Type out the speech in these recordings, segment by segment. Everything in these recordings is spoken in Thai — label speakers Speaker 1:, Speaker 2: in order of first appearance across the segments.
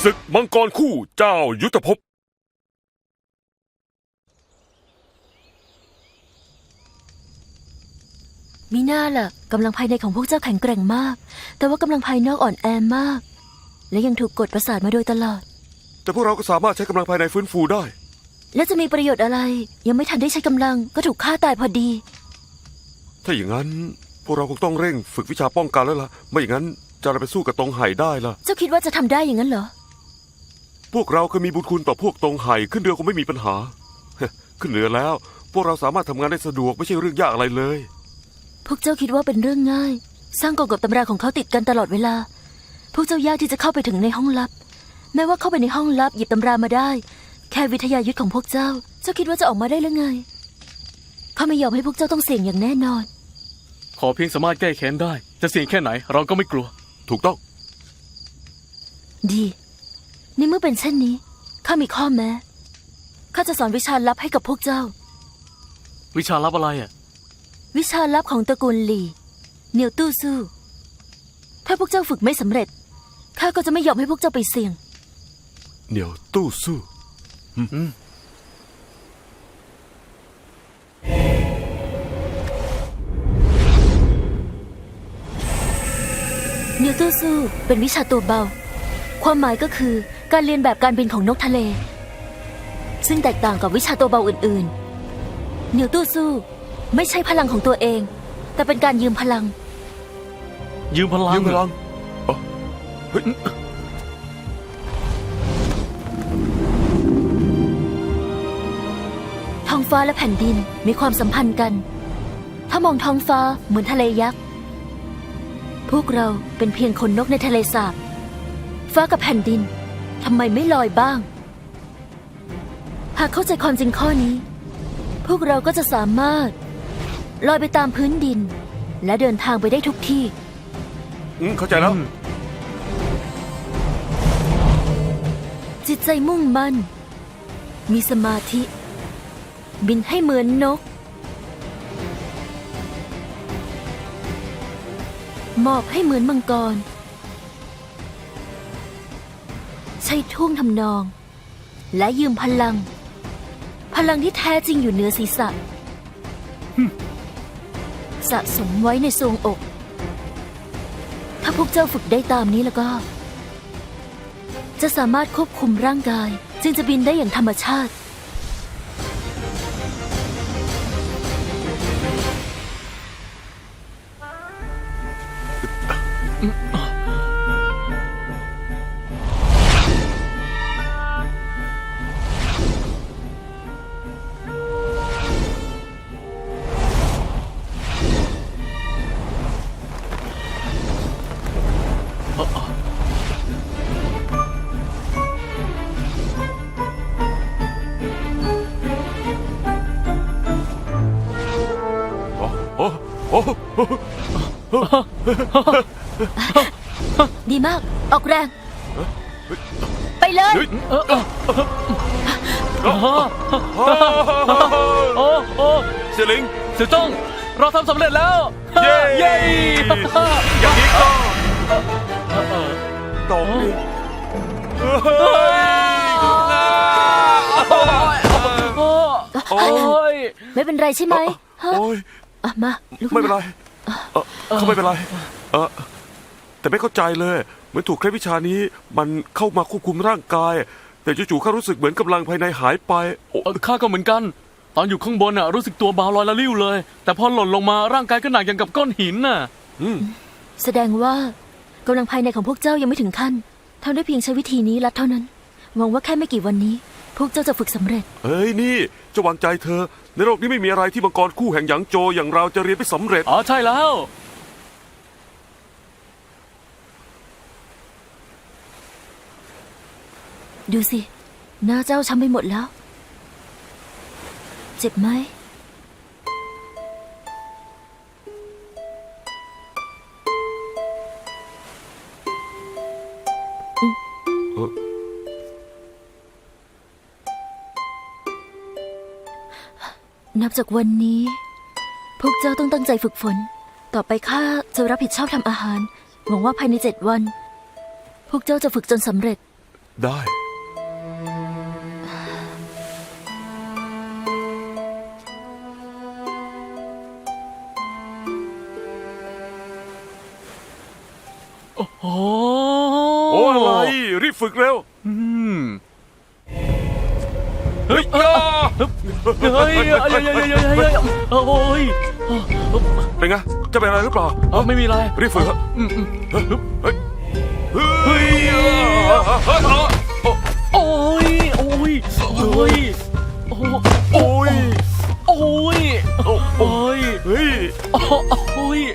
Speaker 1: ศึกมังกรคู่เจ้ายุทธภพ
Speaker 2: มีหน้าล่ะกำลังภายในของพวกเจ้าแข็งแกร่งมากแต่ว่ากำลังภายนอกอ่อนแอมากและยังถูกกดประสาทมาโดยตลอด
Speaker 1: แต่พวกเราก็สามารถใช้กำลังภายในฟื้นฟูได้
Speaker 2: และจะมีประโยชน์อะไรยังไม่ทันได้ใช้กำลังก็ถูกฆ่าตายพอดี
Speaker 1: ถ้าอย่างนั้นพวกเราคงต้องเร่งฝึกวิชาป้องกันแล้วล่ะไม่อย่างนั้นจะไปสู้กับตงไห่ได้ล่ะ
Speaker 2: เจ้าคิดว่าจะทำได้อย่างนั้นเหรอ
Speaker 1: พวกเราเคยมีบุญคุณต่อพวกตงไห่ขึ้นเรือคงไม่มีปัญหาขึ้นเรือแล้วพวกเราสามารถทำงานได้สะดวกไม่ใช่เรื่องยากอะไรเลย
Speaker 2: พวกเจ้าคิดว่าเป็นเรื่องง่ายสร้างกฎกับตำราของเขาติดกันตลอดเวลาพวกเจ้ายากที่จะเข้าไปถึงในห้องลับแม้ว่าเข้าไปในห้องลับหยิบตำรามาได้แค่วิทยายุทธของพวกเจ้าคิดว่าจะออกมาได้หรือไงข้าไม่ยอมให้พวกเจ้าต้องเสี่ยงอย่างแน่นอน
Speaker 3: ขอเพียงสามารถแก้แค้นได้จะเสี่ยงแค่ไหนเราก็ไม่กลัว
Speaker 1: ถูกต้อง
Speaker 2: ดีในเมื่อเป็นเช่นนี้ข้ามีข้อแม้ข้าจะสอนวิชาลับให้กับพวกเจ้า
Speaker 3: วิชาลับอะไรอ่ะ
Speaker 2: วิชาลับของตระกูลหลี่เหนียวตู้สู้ถ้าพวกเจ้าฝึกไม่สำเร็จข้าก็จะไม่ยอมให้พวกเจ้าไปเสี่ยง
Speaker 1: เหนียวตู้สู้
Speaker 2: เหนียวตู้สู้เป็นวิชาตัวเบาความหมายก็คือการเรียนแบบการบินของนกทะเลซึ่งแตกต่างกับวิชาตัวเบาอื่นๆเหนียวตู้สู้ไม่ใช่พลังของตัวเองแต่เป็นการยืมพลัง
Speaker 3: ยืมพลัง
Speaker 1: เฮ้ย
Speaker 2: ท้องฟ้าและแผ่นดินมีความสัมพันธ์กันถ้ามองท้องฟ้าเหมือนทะเลยักษ์พวกเราเป็นเพียงคนนกในทะเลสาบฟ้ากับแผ่นดินทำไมไม่ลอยบ้างหากเข้าใจความจริงข้อนี้พวกเราก็จะสามารถลอยไปตามพื้นดินและเดินทางไปได้ทุกที่
Speaker 1: เข้าใจแล้ว
Speaker 2: จิตใจมุ่งมั่นมีสมาธิบินให้เหมือนนกหมอบให้เหมือนมังกรใช้ท่วงทำนองและยืมพลังที่แท้จริงอยู่เหนือศีรษะสะสมไว้ในทรวงอกถ้าพวกเจ้าฝึกได้ตามนี้แล้วก็จะสามารถควบคุมร่างกายจึงจะบินได้อย่างธรรมชาติดีมากออกแรงไปเลย
Speaker 1: เสี่ยหลิง
Speaker 3: เสี่ยจ้องเราทำสำเร็จแล้ว
Speaker 1: เย้อย่างนี้ก็ตกดิ
Speaker 2: ไม่เป็นไรใช่ไหมมา
Speaker 1: ไม่เป็นไรเขาไม่เป็นไรแต่ไม่เข้าใจเลยเหมือนถูกเคล็ดวิชานี้มันเข้ามาควบคุมร่างกายแต่จู่ๆข้ารู้สึกเหมือนกำลังภายในหายไป
Speaker 3: ข้าก็เหมือนกันตอนอยู่ข้างบนรู้สึกตัวเบาลอยละลิ้วเลยแต่พอหล่นลงมาร่างกายก็หนักอย่างกับก้อนหินน่ะ
Speaker 2: แสดงว่ากำลังภายในของพวกเจ้ายังไม่ถึงขั้นทำได้เพียงใช้วิธีนี้ลัดเท่านั้นหวังว่าแค่ไม่กี่วันนี้พวกเจ้าจะฝึกสำเร็จ
Speaker 1: เฮ้ยนี่จะวางใจเธอในโลกนี้ไม่มีอะไรที่มังกรคู่แห่งหยางโจอย่างเราจะเรียนไปสำเร็จ
Speaker 3: ใช่แล้ว
Speaker 2: ดูสิหน้าเจ้าช้ำไปหมดแล้วเจ็บไหมนับจากวันนี้พวกเจ้าต้องตั้งใจฝึกฝนต่อไปข้าจะรับผิดชอบทำอาหารหวังว่าภายใน7 วันพวกเจ้าจะฝึกจนสำเร็จ
Speaker 1: ได้
Speaker 3: โอ้
Speaker 1: โอ้อะไร รีบฝึกเร็ว
Speaker 3: อืม
Speaker 1: เฮ้ย
Speaker 3: เฮ้ยโอ้ย
Speaker 1: เป็นไง จะเป็นอะไรหรือเปล่า
Speaker 3: ไม่มีอะไร
Speaker 1: รีบฝึกครับ
Speaker 3: อืม
Speaker 1: เฮ้ยเฮ้ยเฮ้ย
Speaker 3: โอ้ยโอ้ยโอ้ยโอ้
Speaker 1: โอ้ย
Speaker 3: โอ้ยโอ้ย
Speaker 1: เฮ้ย
Speaker 3: โอ้ย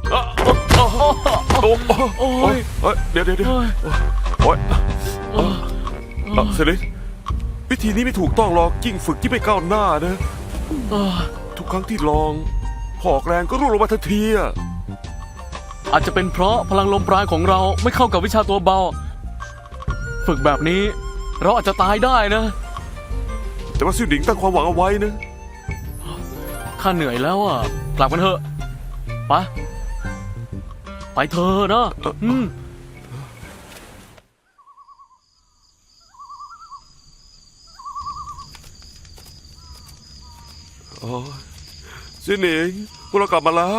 Speaker 1: โอ้ยเดี๋ยวโอ้ยเซลินวิธีนี้ไม่ถูกต้องหรอกยิ่งฝึกยิ่งไม่ก้าวหน้านะ ทุกครั้งที่ลองพอออกแรงก็ร่วงลงมาทันทีอะ
Speaker 3: อาจจะเป็นเพราะพลังลมปราณของเราไม่เข้ากับวิชาตัวเบา ฝึกแบบนี้เราอาจจะตายได้นะ
Speaker 1: แต่ว่าซิ่วหนิงตั้งความหวังเอาไว้นะ
Speaker 3: ข้าเหนื่อยแล้วอ่ะกลับกันเถอะไปเถอะนะ
Speaker 1: อ๋อซิ่วหนิงพวกเรากลับมาแล้ว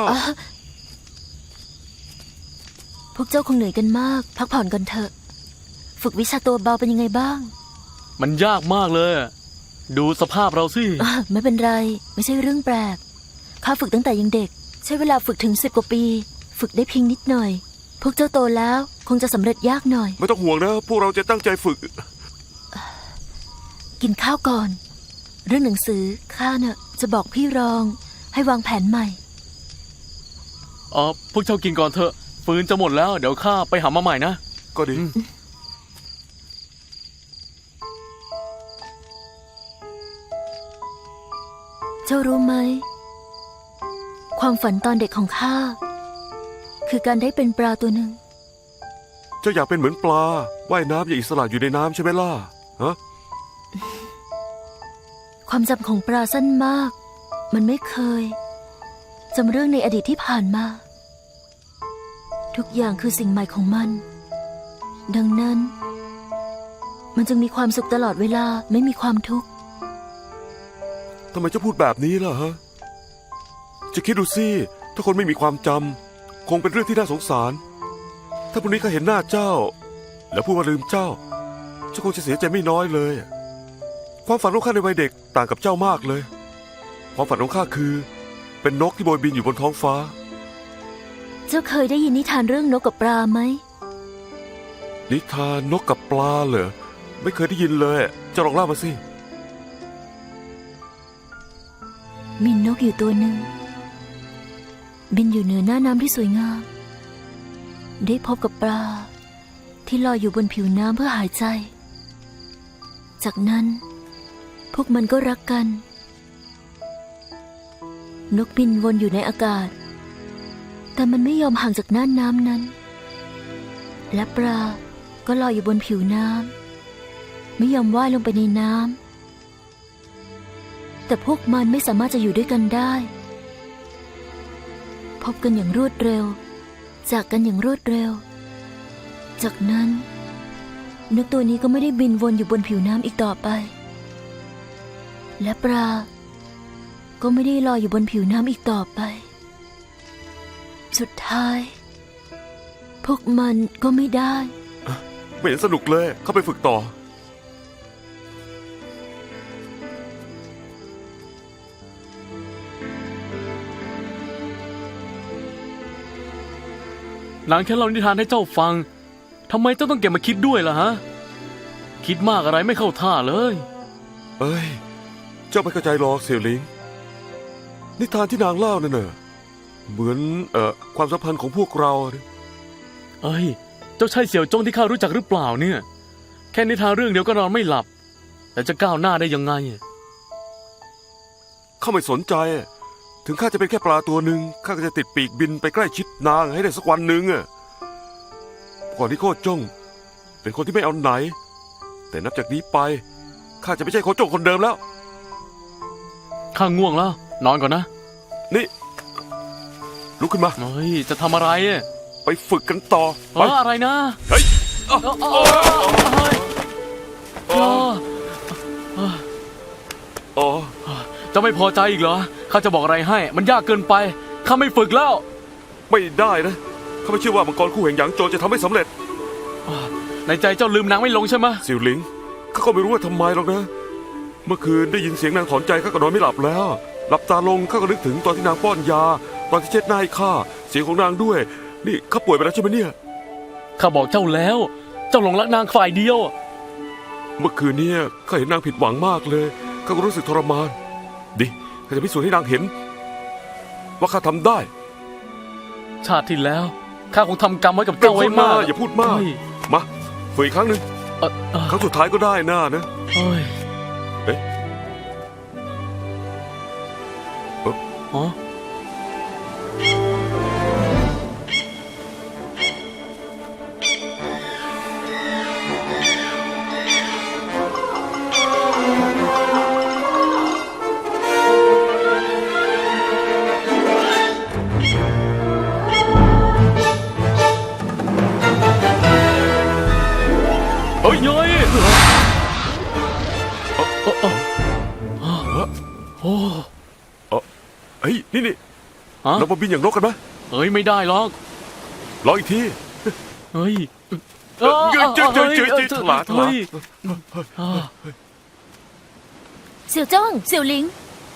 Speaker 2: พวกเจ้าคงเหนื่อยกันมาก พักผ่อนกันเถอะ ฝึกวิชาตัวเบาเป็นยังไงบ้าง
Speaker 3: มันยากมากเลย ดูสภาพเราสิ
Speaker 2: ไม่เป็นไร ไม่ใช่เรื่องแปลก ข้าฝึกตั้งแต่ยังเด็ก ใช้เวลาฝึกถึง10 กว่าปี ฝึกได้เพียงนิดหน่อย พวกเจ้าโตแล้วคงจะสำเร็จยากหน่อย
Speaker 1: ไม่ต้องห่วงนะ พวกเราจะตั้งใจฝึก
Speaker 2: กินข้าวก่อน เรื่องหนังสือข้าน่ะจะบอกพี่รองให้วางแผนใหม่
Speaker 3: พวกเจ้ากินก่อนเถอะฟืนจะหมดแล้วเดี๋ยวข้าไปหามาใหม่นะ
Speaker 1: ก็ดี
Speaker 2: เจ้ารู้ไหม ความฝันตอนเด็กของข้าคือการได้เป็นปลาตัวหนึ่ง
Speaker 1: เจ้าอยากเป็นเหมือนปลาว่ายน้ำอย่างอิสระอยู่ในน้ำใช่ไหมล่ะฮะ
Speaker 2: ความจำของปลาสั้นมาก มันไม่เคยจำเรื่องในอดีตที่ผ่านมา ทุกอย่างคือสิ่งใหม่ของมัน ดังนั้น มันจึงมีความสุขตลอดเวลาไม่มีความทุกข์
Speaker 1: ทำไมเจ้าพูดแบบนี้ล่ะฮะ จะคิดดูสิถ้าคนไม่มีความจำคงเป็นเรื่องที่น่าสงสาร ถ้าพรุ่งนี้ข้าเห็นหน้าเจ้า แล้วพูดว่าลืมเจ้าคงจะเสียใจไม่น้อยเลย ความฝันของข้าในวัยเด็กต่างกับเจ้ามากเลย ความฝันของข้าคือ เป็นนกที่โบยบินอยู่บนท้องฟ้า
Speaker 2: เจ้าเคยได้ยินนิทานเรื่องนกกับปลาไหม
Speaker 1: นิทานนกกับปลาเหรอไม่เคยได้ยินเลยเจ้าลองเล่ามาสิ
Speaker 2: มีนกอยู่ตัวหนึ่ง บินอยู่เหนือหน้าน้ำที่สวยงาม ได้พบกับปลาที่ลอยอยู่บนผิวน้ำเพื่อหายใจ จากนั้นพวกมันก็รักกัน นกบินวนอยู่ในอากาศ แต่มันไม่ยอมห่างจากหน้าน้ำนั้น และปลาก็ลอยอยู่บนผิวน้ำไม่ยอมว่ายลงไปในน้ำแต่พวกมันไม่สามารถจะอยู่ด้วยกันได้ พบกันอย่างรวดเร็ว จากกันอย่างรวดเร็ว จากนั้นนกตัวนี้ก็ไม่ได้บินวนอยู่บนผิวน้ำอีกต่อไป และปลาก็ไม่ได้ลอยอยู่บนผิวน้ำอีกต่อไป สุดท้าย พวกมันก็ไม่ได้
Speaker 1: ไม่เห็นสนุกเลยเข้าไปฝึกต่อ
Speaker 3: นางแค่เล่านิทานให้เจ้าฟังทำไมเจ้าต้องเก็บมาคิดด้วยล่ะฮะ คิดมากอะไรไม่เข้าท่าเลย
Speaker 1: เอ้ย เจ้าไม่เข้าใจหรอกเสี่ยวหลิง นิทานที่นางเล่านั่นน่ะเหมือนความสัมพันธ์ของพวกเรานะ
Speaker 3: เอ้ย เจ้าใช่เสี่ยวจงที่ข้ารู้จักหรือเปล่าเนี่ย แค่นิทานเรื่องเดียวก็นอนไม่หลับ แต่จะก้าวหน้าได้ยังไง
Speaker 1: ข้าไม่สนใจ ถึงข้าจะเป็นแค่ปลาตัวหนึ่งข้าก็จะติดปีกบินไปใกล้ชิดนางให้ได้สักวันหนึ่งอะก่อนที่โคจ้งเป็นคนที่ไม่เอาไหน แต่นับจากนี้ไปข้าจะไม่ใช่โคจ้งคนเดิมแล้ว
Speaker 3: ข้าง่วงแล้ว นอนก่อนนะ
Speaker 1: นี่ ลุกขึ้นมา
Speaker 3: เฮ้ย จะทำอะไรอ่ะ
Speaker 1: ไปฝึกกันต่อไป
Speaker 3: อะไรนะ
Speaker 1: เฮ้ย
Speaker 3: เอ้ยจะไม่พอใจอีกเหรอข้าจะบอกอะไรให้ มันยากเกินไปข้าไม่ฝึกแล้ว
Speaker 1: ไม่ได้นะข้าไม่เชื่อว่ามังกรคู่แห่งหยางโจวจะทำให้สำเร็จ
Speaker 3: ในใจเจ้าลืมนางไม่ลงใช่ไหม
Speaker 1: สิวหลิงข้าก็ไม่รู้ว่าทำไมหรอกนะ เมื่อคืนได้ยินเสียงนางถอนใจข้าก็นอนไม่หลับแล้ว หลับตาลงข้าก็นึกถึงตอนที่นางป้อนยา ตอนที่เช็ดหน้าให้ข้าเสียงของนางด้วย นี่ข้าป่วยไปแล้วใช่ไหมเนี่ย
Speaker 3: ข้าบอกเจ้าแล้ว เจ้าหลงรักนางฝ่ายเดียว
Speaker 1: เมื่อคืนเนี่ยข้าเห็นนางผิดหวังมากเลยข้าก็รู้สึกทรมานดิข้าจะพิสูจน์ให้นางเห็น ว่าข้าทำได้
Speaker 3: ชาติที่แล้วข้าคงทำกรรมไว้กับเจ้าไว้มาก
Speaker 1: อย่าพูดมาก
Speaker 3: เฮ้ย
Speaker 1: มาฝึกอีกครั้งหนึ่ง
Speaker 3: เอ่อเอ่อ
Speaker 1: ครั้งสุดท้ายก็ได้น่านะ
Speaker 3: เฮ้ย
Speaker 1: เอ๊ะ
Speaker 3: อ๋อ
Speaker 1: เฮ้ย
Speaker 3: เย้ยโอ้
Speaker 1: เฮ้ยนี่
Speaker 3: ฮะ
Speaker 1: เรามาบินอย่างนกกันไหม
Speaker 3: เฮ้ยไม่ได้หรอก
Speaker 1: ลองอีกที
Speaker 3: เฮ้ย
Speaker 1: จืดถลา
Speaker 3: เฮ้ย
Speaker 2: เสี่ยวจ้องเสี่ยวหลิง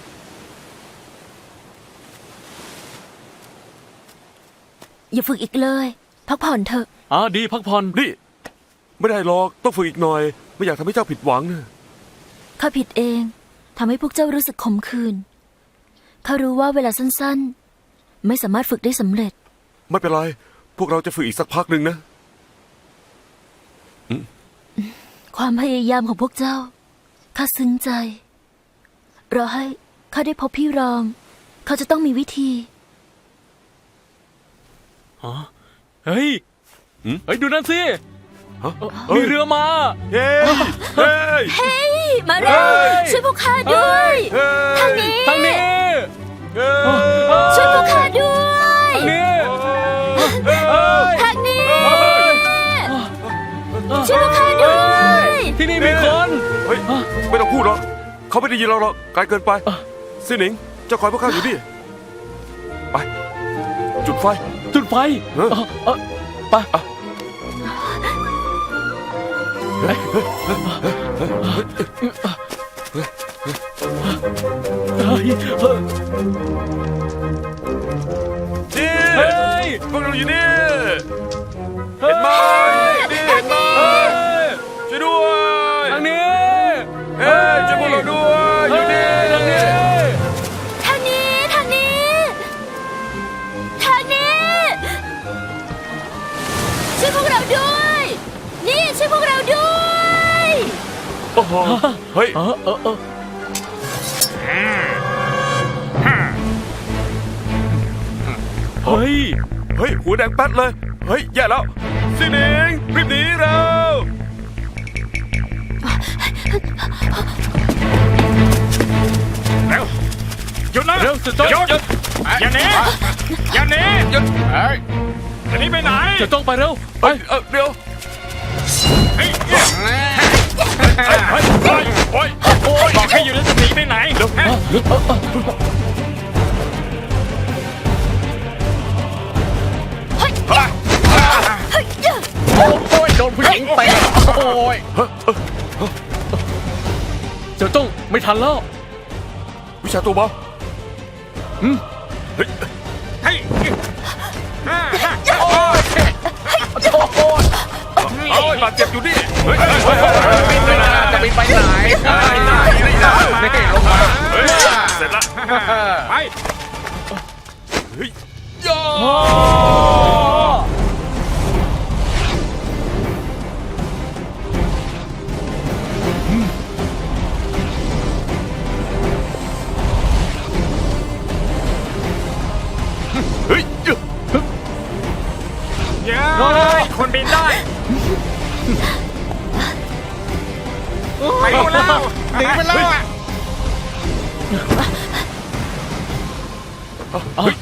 Speaker 2: อย่าฝึกอีกเลย พักผ่อนเถอะ
Speaker 3: ดีพักผ่อน
Speaker 1: นี่ ไม่ได้หรอกต้องฝึกอีกหน่อย ไม่อยากทำให้เจ้าผิดหวังนะ
Speaker 2: ข้าผิดเองทำให้พวกเจ้ารู้สึกขมขื่นข้ารู้ว่าเวลาสั้นๆ ไม่สามารถฝึกได้สำเร็จ
Speaker 1: ไม่เป็นไร พวกเราจะฝึกอีกสักพักหนึ่งนะ
Speaker 2: ความพยายามของพวกเจ้าข้าซึ้งใจรอให้ข้าได้พบพี่รอง เขาจะต้องมีวิธี
Speaker 3: เฮ้ย
Speaker 1: หืม
Speaker 3: เฮ้ยดูนั่นสิ
Speaker 1: ฮะ
Speaker 3: มีเรือมา
Speaker 1: เฮ้ยเฮ้ย
Speaker 2: มาเร็ว
Speaker 1: เฮ้ย
Speaker 2: ช่วยพวกข้าด้วย
Speaker 1: เฮ้ย
Speaker 2: ทางนี้
Speaker 3: ทางนี้
Speaker 1: เฮ้ย
Speaker 2: ช่วยพวกข้าด้วย
Speaker 3: ทางนี้
Speaker 2: ทางนี้ช่วยพวกข้าด้วย
Speaker 3: ที่นี่มีคน
Speaker 1: เฮ้ยไม่ต้องพูดหรอกเขาไม่ได้ยินเราหรอกไกลเกินไปซิหนิงเจ้าคอยพวกข้าอยู่ดิไป จุดไฟ
Speaker 3: จุดไฟ
Speaker 1: เออ
Speaker 3: ไป เฮ้ย
Speaker 1: นี่
Speaker 3: เฮ้ย
Speaker 1: พวกเราอยู่นี่เห็นไหมนี่เห็นไหมช่วยด้วย
Speaker 3: ทางนี้
Speaker 1: เฮ้ยช่วยพวกเราด้วยอยู่นี่
Speaker 3: ทางนี้
Speaker 2: ทางนี้ ทางนี้ ทางนี้ ช่วยพวกเราด้วย นี่ช่วยพวกเราด้วย
Speaker 1: โอ้โหเฮ้ย
Speaker 3: เฮ้ย
Speaker 1: เฮ้ยหัวแดงแป๊ดเลยเฮ้ยแย่แล้วซิหนิงรีบหนีเร็วเร็วหยุดนะ
Speaker 3: เร็วจะจ้อง
Speaker 1: หยุดอย่าหนีอย่าหนีหยุดเฮ้ยจะหนีไปไหน
Speaker 3: จะจ้องไปเร็ว ไป
Speaker 1: เดี๋ยวเฮ้ยโอ้ยบอกให้อยู่แล้วจะหนีไปไหนเดี๋ยว
Speaker 3: โอ้ยโดนผู้หญิงเตะโอ้ยเจ้าจ้องไม่ทันแล้ว
Speaker 1: วิชาตัวเบาเฮ้ยเฮ้ยโอ้ยบาดเจ็บอยู่ดิเฮ้ยบินไปไหนจะบินไปไหนลงมาเฮ้ยเสร็จละไปเฮ้ยย่อเฮ้ย
Speaker 4: คนบินได้ไปดูแล้วหนีไปแล้วอ่ะ
Speaker 1: เฮ้ย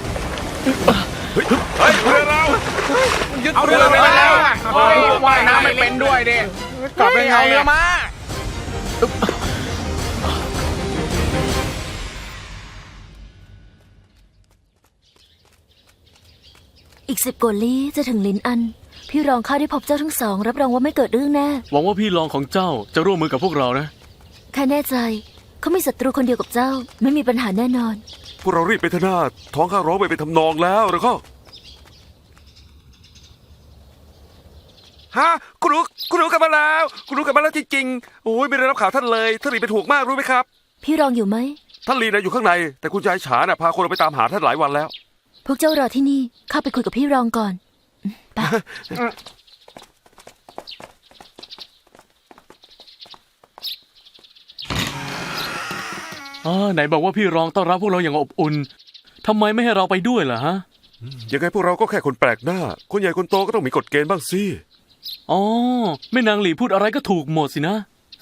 Speaker 1: เรือเรา
Speaker 4: เอาเรือไปแล้วอ่ะว่ายน้ำไม่เป็นด้วยดิกลับไปเอาเรือมา
Speaker 2: อีก10 กว่าลี้จะถึงลินอัน พี่รองข้าได้พบเจ้าทั้งสอง รับรองว่าไม่เกิดเรื่องแน่
Speaker 3: หวังว่าพี่รองของเจ้าจะร่วมมือกับพวกเรานะ
Speaker 2: ข้าแน่ใจ เขามีศัตรูคนเดียวกับเจ้า ไม่มีปัญหาแน่นอน
Speaker 1: พวกเรารีบไปเถอะนาท้องข้าร้องไปเป็นทำนองแล้วแล้วก็
Speaker 4: ฮะคุณรู้กันมาแล้วคุณรู้กันมาแล้วจริงๆโอ้ยไม่ได้รับข่าวท่านเลยท่านหลีเป็นห่วงมากรู้ไหมครับ
Speaker 2: พี่รองอยู่ไหม
Speaker 1: ท่านลีนะอยู่ข้างใน แต่คุณชายฉาน่ะพาคนเราไปตามหาท่านหลายวันแล้ว
Speaker 2: พวกเจ้ารอที่นี่ ข้าไปคุยกับพี่รองก่อนไป
Speaker 3: ไหนบอกว่าพี่รองต้อนรับพวกเราอย่างอบอุ่นทำไมไม่ให้เราไปด้วยล่ะฮะ
Speaker 1: ยังไงพวกเราก็แค่คนแปลกหน้า คนใหญ่คนโตก็ต้องมีกฎเกณฑ์บ้างสิ
Speaker 3: อ๋อแม่นางหลีพูดอะไรก็ถูกหมดสินะ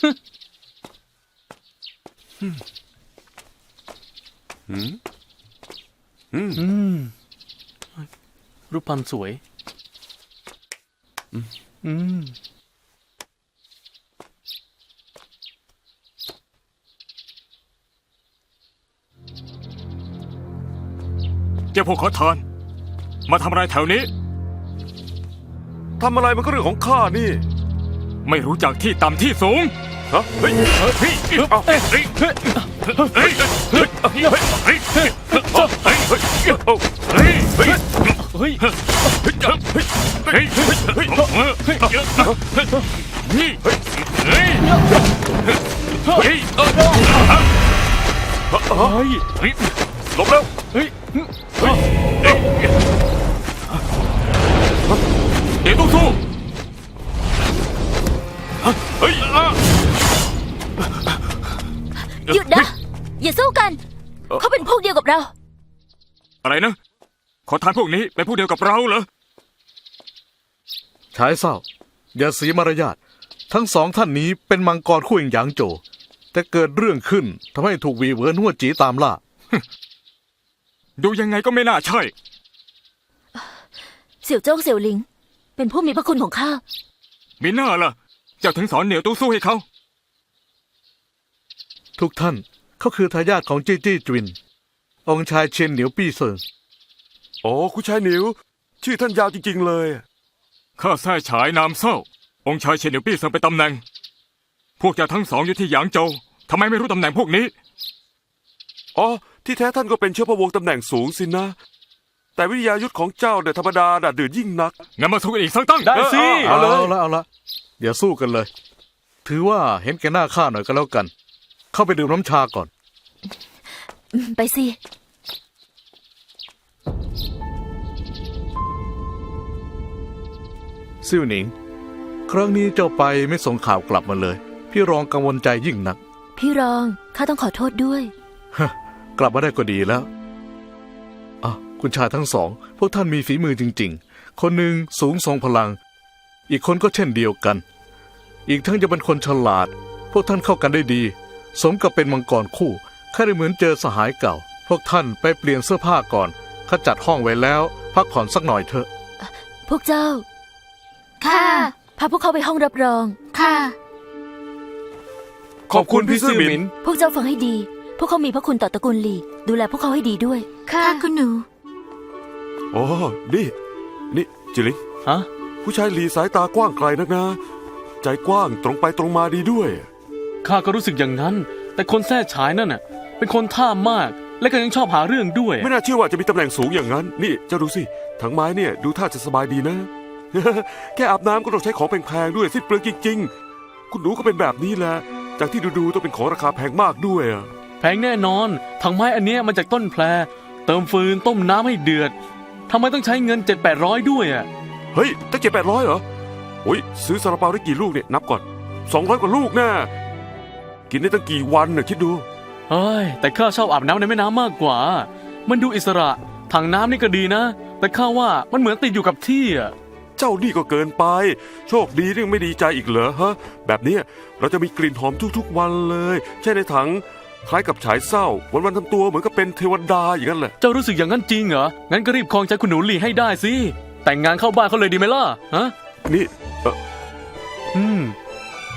Speaker 3: รูปพันธ์สวย
Speaker 5: เจ้าพวกขอทาน มาทำอะไรแถวนี้
Speaker 1: ทำอะไรมันก็เรื่องของข้านี่
Speaker 5: ไม่รู้จักที่ต่ำที่สูง
Speaker 1: ฮะเฮ้ย
Speaker 5: เฮ้ยเอาเฮ้ยเฮ้ยเฮ้ยเฮ้ยเฮ้ยเฮ้ยเฮ้ยเฮ้ยเฮ้ย
Speaker 3: เฮ้ย
Speaker 5: เฮ้ยเฮ้ยเฮ้ย
Speaker 1: หลบแล้ว
Speaker 3: เฮ้ย
Speaker 5: เดี๋ยวต้องสู้
Speaker 1: เฮ้ย
Speaker 2: หยุดนะ อย่าสู้กัน เขาเป็นพวกเดียวกับเรา
Speaker 5: อะไรนะ ขอทานพวกนี้เป็นพวกเดียวกับเราเหรอ
Speaker 6: ชายเศร้าอย่าเสียมารยาททั้งสองท่านนี้เป็นมังกรคู่หยางโจวแต่เกิดเรื่องขึ้นทำให้ถูกวีเหวินหัวจีตามล่า
Speaker 5: ดูยังไงก็ไม่น่าใช่
Speaker 2: เสี่ยวโจ้งเสี่ยวหลิง เป็นผู้มีพระคุณของข้า
Speaker 5: มีหน้าล่ะ เจ้าถึงสอนเหนียวตู้สู้ให้เขา
Speaker 6: ทุกท่านเขาคือทายาทของจี้จี้จวิน องค์ชายเชียนเหนียวปี้เซิง
Speaker 1: อ๋อคุณชายหนิว ชื่อท่านยาวจริงๆเลย
Speaker 5: ข้าแท้ฉายนามเศร้า องค์ชายเฉียนเหนียวปี้เซิงเป็นตำแหน่ง พวกเจ้าทั้งสองอยู่ที่หยางโจวทำไมไม่รู้ตำแหน่งพวกนี้
Speaker 1: อ๋อที่แท้ท่านก็เป็นเชื้อพระวงศ์ตำแหน่งสูงสินะ แต่วิทยายุทธของเจ้าเนี่ยธรรมดาด่าดื่นยิ่งนัก
Speaker 5: งั้นมาสู้กันอีกสักตั้ง
Speaker 3: ได้สิ
Speaker 6: เอาละอย่าสู้กันเลย ถือว่าเห็นแก่หน้าข้าหน่อยก็แล้วกัน เข้าไปดื่มน้ำชาก่อน
Speaker 2: ไปสิ
Speaker 6: ซิ่วหนิง ครั้งนี้เจ้าไปไม่ส่งข่าวกลับมาเลย พี่รองกังวลใจยิ่งนัก
Speaker 2: พี่รอง ข้าต้องขอโทษด้วย
Speaker 6: กลับมาได้ก็ดีแล้วอ่ะคุณชายทั้งสอง พวกท่านมีฝีมือจริงๆ คนหนึ่งสูงทรงพลัง อีกคนก็เช่นเดียวกัน อีกทั้งจะเป็นคนฉลาด พวกท่านเข้ากันได้ดี สมกับเป็นมังกรคู่ข้าได้เหมือนเจอสหายเก่า พวกท่านไปเปลี่ยนเสื้อผ้าก่อนข้าจัดห้องไว้แล้ว พักผ่อนสักหน่อยเถอะ
Speaker 2: พวกเจ้า ค่ะ พาพวกเขาไปห้องรับรอง ค่ะ
Speaker 1: ขอบคุณพี่ซื่อหมิน
Speaker 2: พวกเจ้าฟังให้ดี พวกเขามีพระคุณต่อตระกูลหลี ดูแลพวกเขาให้ดีด้วย ค่ะคุณหนู
Speaker 1: อ๋อ นี่จิลิง
Speaker 3: ฮะ
Speaker 1: ผู้ชายหลีสายตากว้างไกลนักนะ ใจกว้างตรงไปตรงมาดีด้วย
Speaker 3: ข้าก็รู้สึกอย่างนั้น แต่คนแท้ฉายนั่นน่ะ เป็นคนท่ามาก และก็ยังชอบหาเรื่องด้วย
Speaker 1: ไม่น่าเชื่อว่าจะมีตำแหน่งสูงอย่างนั้น นี่เจ้าดูสิถังไม้เนี่ยดูท่าจะสบายดีนะ แค่อาบน้ำก็ต้องใช้ของแพงๆด้วยสิ้นเปลืองจริงๆ คุณหนูก็เป็นแบบนี้แหละ จากที่ดูๆต้องเป็นของราคาแพงมากด้วยอะ
Speaker 3: แพงแน่นอน ถังไม้อันเนี้ยมาจากต้นแพร เติมฟืนต้มน้ำให้เดือดทำไมต้องใช้เงิน700-800ด้วยอ่ะ
Speaker 1: เฮ้ยตั้ง700-800เหรอโอ้ยซื้อซาลาเปาได้กี่ลูกเนี่ยนับก่อน200 กว่าลูกแน่กินได้ตั้งกี่วันน่ะคิดดู
Speaker 3: เฮ้ย แต่ข้าชอบอาบน้ำในแม่น้ำมากกว่า มันดูอิสระ ถังน้ำนี่ก็ดีนะ แต่ข้าว่ามันเหมือนติดอยู่กับที่อ่ะ
Speaker 1: เจ้านี่ก็เกินไป โชคดีที่ยังไม่ดีใจอีกเหรอฮะ แบบเนี้ยเราจะมีกลิ่นหอมทุกๆวันเลยแช่ในถังคล้ายกับฉายเศร้าวันๆทำตัวเหมือนกับเป็นเทวดาอย่างนั้นแหละ
Speaker 3: เจ้ารู้สึกอย่างนั้นจริงเหรอ งั้นก็รีบครองใจคุณหนูหลีให้ได้สิ แต่งงานเข้าบ้านเขาเลยดีไหมล่ะ ฮะ
Speaker 1: นี่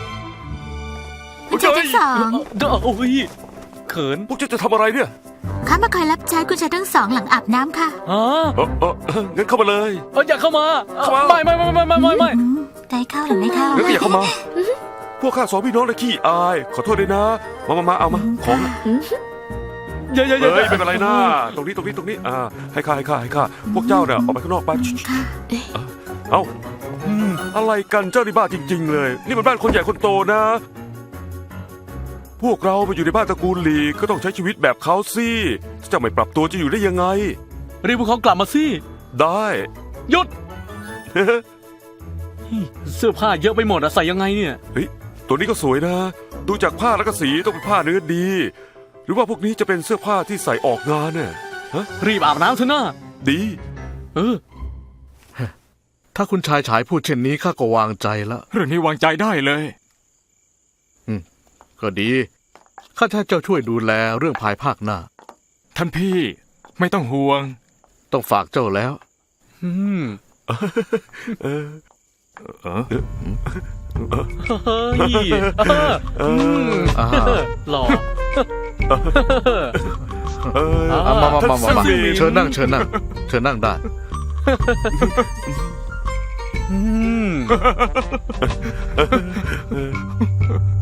Speaker 2: คุณชายทั้งสอง
Speaker 3: โอ้ยเขิน
Speaker 1: พวกเจ้าจะทำอะไรเนี่ย
Speaker 2: ข
Speaker 7: ข้ามาคอยรับใช้คุณชายทั้งสองหลังอาบน้ำค่ะ
Speaker 3: อ๋อ
Speaker 1: งั้นเข้ามาเลย
Speaker 3: อย่าเข้ามา
Speaker 1: เข้ามา
Speaker 3: ไม่
Speaker 7: ได้เข้าหรือไม่เข้า
Speaker 1: งั้นก็อย่าเข้ามา พวกข้าสองพี่น้องเลยขี้อาย ขอโทษด้วยนะ มาเอามา ของ
Speaker 3: อย่า
Speaker 1: เฮ้ยไม่เป็นไรนะตรงนี้ให้ข้าพวกเจ้าเนี่ยออกไปข้างนอกไป
Speaker 7: ค่ะ
Speaker 1: เอ้าอะไรกันเจ้านี่บ้าจริง ๆ เลย นี่มันบ้านคนใหญ่คนโตนะ พวกเรามาอยู่ในบ้านตระกูลหลีก็ต้องใช้ชีวิตแบบเขาสิเจ้าไม่ปรับตัวจะอยู่ได้ยังไง
Speaker 3: รีบพวกเขากลับมาสิ
Speaker 1: ได้
Speaker 3: หยุด เสื้อผ้าเยอะไปหมดอะใส่ยังไงเนี่ย
Speaker 1: เฮ้ยตัวนี้ก็สวยนะ ดูจากผ้าแล้วก็สีต้องเป็นผ้าเนื้อดี หรือว่าพวกนี้จะเป็นเสื้อผ้าที่ใส่ออกงานเนี่ยฮะ
Speaker 3: รีบอาบน้ำเถอะนะ
Speaker 1: ดี
Speaker 6: ถ้าคุณชายฉายพูดเช่นนี้ข้าก็วางใจแล้ว
Speaker 5: เรื่องนี้วางใจได้เลย
Speaker 6: ก็ดี ข้าจะให้เจ้าช่วยดูแลเรื่องภายภาคหน้า
Speaker 5: ท่านพี่ไม่ต้องห่วง
Speaker 6: ต้องฝากเจ้าแล้ว
Speaker 3: อืม
Speaker 1: เออ
Speaker 3: เฮ้ยหล่อ
Speaker 6: มา
Speaker 1: ท่านสิงห์
Speaker 6: เชิญนั่งได้
Speaker 3: อืม